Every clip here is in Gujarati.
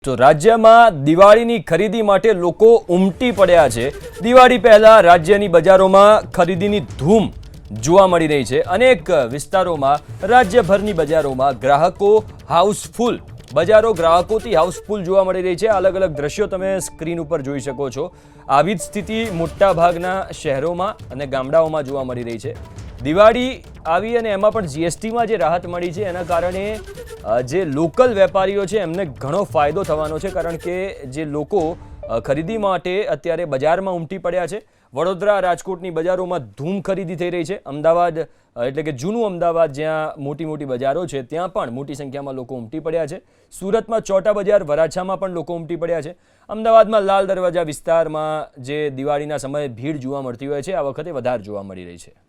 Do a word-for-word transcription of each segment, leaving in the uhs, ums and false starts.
તો રાજ્યમાં દિવાળીની ખરીદી માટે લોકો ઉમટી પડ્યા છે। દિવાળી પહેલા રાજ્યની બજારોમાં ખરીદીની ધૂમ જોવા મળી રહી છે। અનેક વિસ્તારોમાં રાજ્યભરની બજારોમાં ગ્રાહકો હાઉસફુલ બજારો ગ્રાહકોથી હાઉસફુલ જોવા મળી રહી છે। અલગ અલગ દ્રશ્યો તમે સ્ક્રીન ઉપર જોઈ શકો છો। આવી જ સ્થિતિ મોટા ભાગના શહેરોમાં અને ગામડાઓમાં જોવા મળી રહી છે। દિવાળી આવી અને એમાં પણ જીએસટીમાં જે રાહત મળી છે એના કારણે જે લોકલ વેપારીઓ છે એમને ઘણો ફાયદો થવાનો છે, કારણ કે જે લોકો ખરીદી માટે અત્યારે બજારમાં ઉમટી પડ્યા છે। વડોદરા રાજકોટની બજારોમાં ધૂમ ખરીદી થઈ રહી છે। અમદાવાદ એટલે કે જૂનું અમદાવાદ જ્યાં મોટી મોટી બજારો છે ત્યાં પણ મોટી સંખ્યામાં લોકો ઉમટી પડ્યા છે। સુરતમાં ચોટા બજાર, વરાછામાં પણ લોકો ઉમટી પડ્યા છે। અમદાવાદમાં લાલ દરવાજા વિસ્તારમાં જે દિવાળીના સમયે ભીડ જોવા મળતી હોય છે આ વખતે વધારે જોવા મળી રહી છે।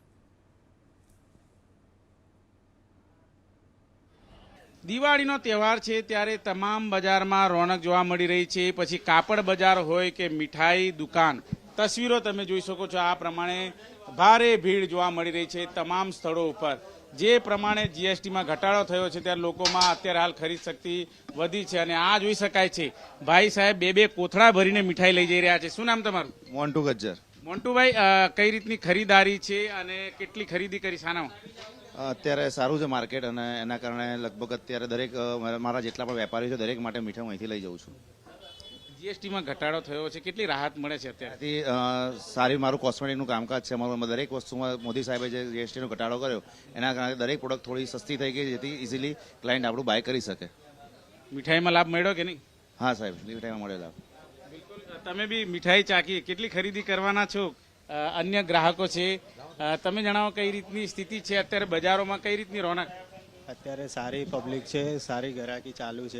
દિવાળીનો તહેવાર છે ત્યારે તમામ બજારમાં રોનક જોવા મળી રહી છે। પછી કાપડ બજાર હોય કે મીઠાઈ દુકાન, તસવીરો તમે જોઈ શકો છો। આ પ્રમાણે ભારે ભીડ જોવા મળી રહી છે તમામ સ્થળો ઉપર। જે પ્રમાણે જીએસટીમાં ઘટાડો થયો છે ત્યારે લોકોમાં અત્યારે હાલ ખરીદ શક્તિ વધી છે અને આ જોઈ શકાય છે ભાઈ સાહેબ બે બે કોથળા ભરીને મીઠાઈ લઈ જઈ રહ્યા છે। શું નામ તમારું? મોન્ટુ ગજ્જર। મોન્ટુભાઈ, કઈ રીતની ખરીદારી છે અને કેટલી ખરીદી કરી શાનામાં? અત્યારે સારું છે માર્કેટ અને એના કારણે લગભગ અત્યારે દરેક મારા જેટલા પણ વેપારીઓ છે દરેક માટે મીઠાઈ અહીંથી લઈ જાઉં છું। જીએસટીમાં ઘટાડો થયો છે, કેટલી રાહત મળે છે અત્યારથી? સારી મારું કોસ્મેટિકનું કામકાજ છે અમારું, દરેક વસ્તુમાં મોદી સાહેબે જે જીએસટીનો ઘટાડો કર્યો એના કારણે દરેક પ્રોડક્ટ થોડી સસ્તી થઈ ગઈ જેથી ઇઝીલી ક્લાયન્ટ આપણું બાય કરી શકે। મીઠાઈમાં લાભ મળ્યો કે નહીં? હા સાહેબ, મીઠાઈમાં મળે લાભ। બિલકુલ, તમે બી મીઠાઈ ચાખી, કેટલી ખરીદી કરવાના છો? અન્ય ગ્રાહકો છે, તમે જણાવો કઈ રીતની સ્થિતિ છે અત્યારે બજારોમાં, કઈ રીતની રોનક? અત્યારે સારી પબ્લિક છે, સારી ગ્રાહકી ચાલુ છે,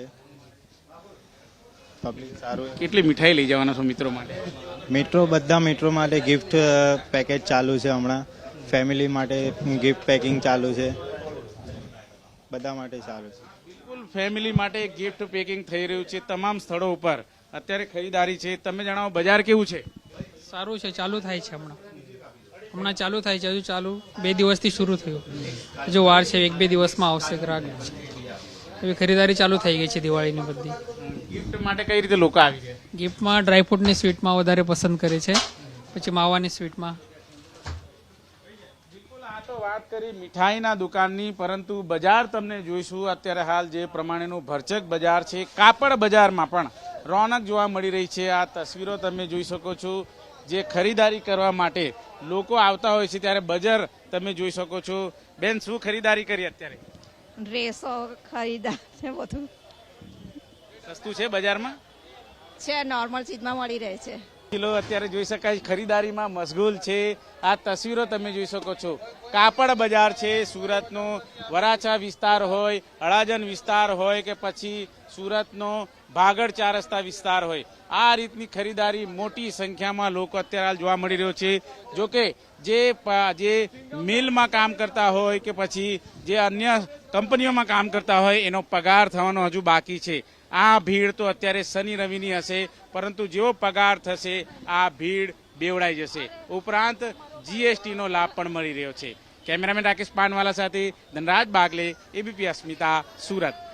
પબ્લિક સારું। કેટલી મીઠાઈ લઈ જવાના છો મિત્રો માટે? મેટ્રો બધા મેટ્રો માટે ગિફ્ટ પેકેજ ચાલુ છે હમણાં, ફેમિલી માટે ગિફ્ટ પેકિંગ ચાલુ છે, બધા માટે સારું છે। બિલકુલ, ફેમિલી માટે ગિફ્ટ પેકિંગ થઈ રહ્યું છે તમામ સ્થળો ઉપર અત્યારે ખરીદારી છે। તમે જણાવો બજાર કેવું છે? સારું છે, ચાલુ થાય છે હમણાં હમણાં ચાલુ થાય છે, હજુ ચાલુ બે દિવસથી શરૂ થયું, હજુ વાર છે, એક બે દિવસમાં આવશે ગ્રાહક। હવે ખરીદારી ચાલુ થઈ ગઈ છે દિવાળીની બધી। ગિફ્ટ માટે કઈ રીતે લોકો આવી ગયા? ગિફ્ટમાં ડ્રાયફ્રૂટની સ્વીટમાં વધારે પસંદ કરે છે, પછી માવાની સ્વીટમાં। બિલકુલ, આ તો વાત કરી મીઠાઈના દુકાનની, પરંતુ બજાર તમને જોઈશું અત્યારે હાલ જે પ્રમાણેનું ભરચક બજાર છે। કાપડ બજારમાં પણ રોનક જોવા મળી રહી છે। આ તસવીરો તમે જોઈ શકો છો, જે ખરીદારી કરવા માટે લોકો આવતા હોય છે ત્યારે બજાર તમે જોઈ શકો છો। બેન, શું ખરીદારી કરી અત્યારે? ડ્રેસો ખરીદા છે, બધું સસ્તું છે બજારમાં? છે, નોર્મલ ચીજમાં મળી રહે છે। કિલો અત્યારે જોઈ શકાય ખરીદારીમાં મશગુલ છે। આ તસવીરો તમે જોઈ શકો છો, કાપડ બજાર છે સુરતનો। વરાછા વિસ્તાર હોય, અડાજણ વિસ્તાર હોય કે પછી સુરતનો ભાગળ ચાર રસ્તા વિસ્તાર હોય, આ રીતની ખરીદારી મોટી સંખ્યામાં લોકો અત્યારે હાલ જોવા મળી રહ્યો છે। જોકે જે જે મિલમાં કામ કરતા હોય કે પછી જે અન્ય કંપનીઓમાં કામ કરતા હોય એનો પગાર થવાનો હજુ બાકી છે। આ ભીડ તો અત્યારે શનિ રવિની હશે, પરંતુ જેવો પગાર થશે આ ભીડ બેવડાઈ જશે। ઉપરાંત જીએસટીનો લાભ પણ મળી રહ્યો છે। કેમેરામેન રાકેશ પાનવાલા સાથે ધનરાજ બાગલે, એબીપી અસ્મિતા, સુરત।